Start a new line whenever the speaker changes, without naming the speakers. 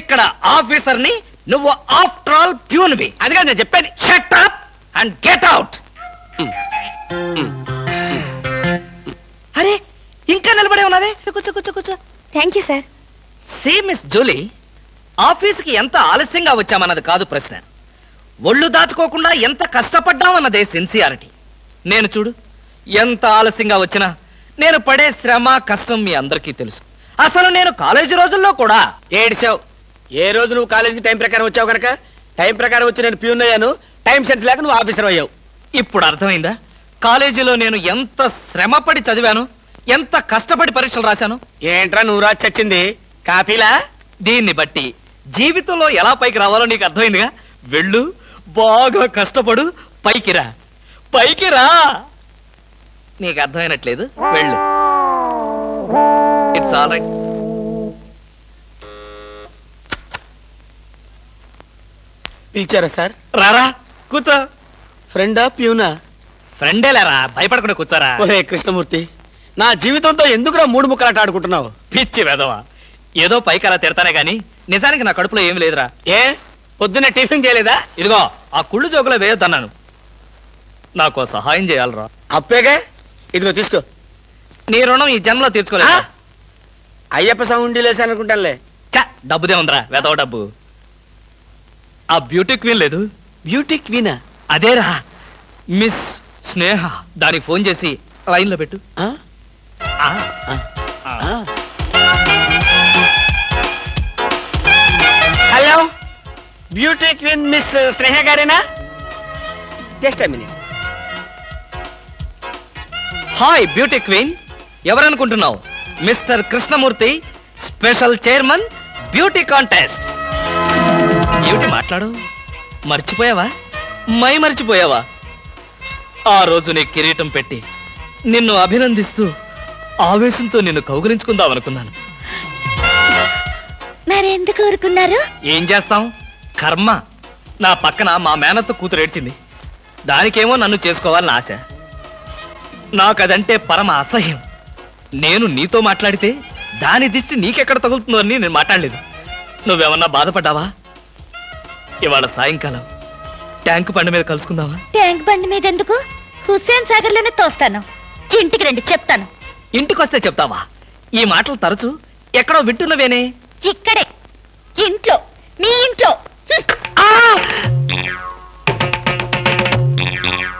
ఇక్కడ ఆఫీసర్ ని, నువ్వు ఆఫ్టర్ ఆల్ ప్యూన్వి.
అదిగా నేను చెప్పేది.
Shut up and get out. అరే ఇంకా నిలబడే ఉన్నావే, కూర్చో కూర్చో కూర్చో.
Thank you sir.
See miss Julie, ఆఫీస్కి ఎంత ఆలస్యంగా వచ్చామన్నది కాదు ప్రశ్న, ఒళ్ళు దాచుకోకుండా ఎంత కష్టపడ్డామన్నదే సిన్సియారిటీ. నేను చూడు, ఎంత ఆలస్యంగా వచ్చినా నేను పడే శ్రమ కష్టం మీ అందరికీ తెలుసు. అసలు నేను కాలేజీ రోజుల్లో కూడా
ఏడిచావు. ఏ రోజు నువ్వు కాలేజీకి టైం ప్రకారం వచ్చావు కనుక టైం ప్రకారం వచ్చి నేను ప్యూన్ అయ్యాను. టైం సెన్స్ లేక నువ్వు ఆఫీసర్ అయ్యావు.
ఇప్పుడు అర్థమైందా కాలేజీలో నేను ఎంత శ్రమపడి చదివాను, ఎంత కష్టపడి పరీక్షలు రాశాను?
ఏంట్రా నువ్వు రాసి చచ్చింది కాపీలా?
దీన్ని బట్టి జీవితంలో ఎలా పైకి రావాలో నీకు అర్థమైందిగా. వెళ్ళు, బాగా కష్టపడు, పైకి రా, పైకి రా. నీకు అర్థమైనట్లేదు, వెళ్ళు. It's all right.
పిలిచారా సార్?
రారా, కూర్చో.
ఫ్రెండా ప్యూనా?
ఫ్రెండేలేరా, భయపడకుండా కూర్చోరా.
ఒరే కృష్ణమూర్తి, నా జీవితంతో ఎందుకురా మూడు ముక్కలాట ఆడుకుంటున్నావు?
పిచ్చి వెదవా, ఏదో పైకి అలా తిడతానే గాని నిజానికి నా కడుపులో ఏమి లేదురా.
ఏ పొద్దున్నే టిఫిన్ చేయలేదా?
ఇదిగో ఆ కుళ్ళు జోకులో వేయొద్దన్నాను. నాకు సహాయం చేయాలరా.
అప్పేగా, ఇదిగో తీసుకో.
నీ రుణం ఈ జన్మలో తీర్చుకోలేదు.
అయ్యప్ప సౌండి లేసానుకుంటానులే.
డబ్బుదే ఉందిరా, వెదవ డబ్బు. ఆ బ్యూటీ క్వీన్ లేదు,
బ్యూటీ క్వీనా?
అదేరా మిస్ స్నేహ. దానికి ఫోన్ చేసి లైన్ లో పెట్టు.
Hello, beauty queen miss Sneha గారేనా? Just minute.
Hi beauty queen, ఎవరనుకుంటున్నావు? Mister Krishnamurthy, special chairman, beauty contest. ఏమిటి మాట్లాడు? మర్చిపోయావా? మర్చిపోయావా? ఆ రోజు నీ కిరీటం పెట్టి నిన్ను అభినందిస్తూ ఆవేశంతో నిన్ను కౌగిలించుకుందాం అనుకున్నాను.
మరెందుకు ఊరుకున్నారు?
ఏం చేస్తాం, కర్మ. నా పక్కన మా మేనత్త కూతురు ఏడ్చింది. దానికేమో నన్ను చేసుకోవాలని ఆశ. నాకదంటే పరమ అసహ్యం. నేను నీతో మాట్లాడితే దాని దిష్టి నీకెక్కడ తగులుతుందో అని నేను మాట్లాడలేదు. నువ్వేమన్నా బాధపడ్డావా? ఇవాళ సాయంకాలం ట్యాంకు బండి మీద కలుసుకుందావా?
ట్యాంక్ బండి మీద ఎందుకు? హుస్సేన్ సాగర్ లోనే తోస్తాను. ఇంటికి రండి, చెప్తాను.
ఇంటికొస్తే చెప్తావా? ఈ మాటలు తరచు ఎక్కడో వింటున్నవేనే.
ఇక్కడే, ఇంట్లో, మీ ఇంట్లో.